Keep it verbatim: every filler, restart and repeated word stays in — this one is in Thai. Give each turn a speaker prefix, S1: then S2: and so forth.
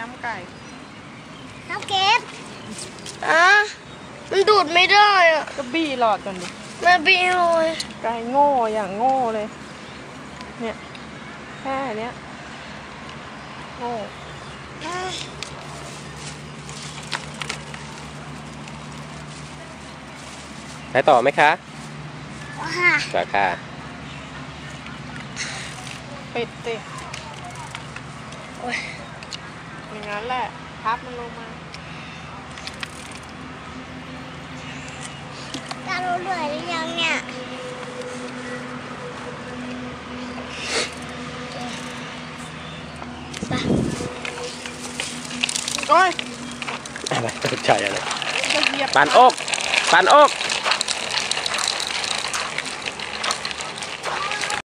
S1: ำไก่
S2: น้ำเก็บอ่ะมันดูดไม่ได้อ่ะ
S1: ก็บี้หลอดก่อนดิ
S2: มาบี้เลย
S1: ไก่โง่อย่างโง่เลยเนี่ยแค่เนี้ยโง่
S3: ไปต่อไหมคะ
S2: ค่ะ
S3: ต่อค่ะ
S1: ปิดสิอย่างนั้นแหละพับมันลงมา
S2: จะรู้เหนื่อยหรือยังเนี่ย
S1: โอ้ย
S3: อะไรตกใจอะไรปานอกปานอก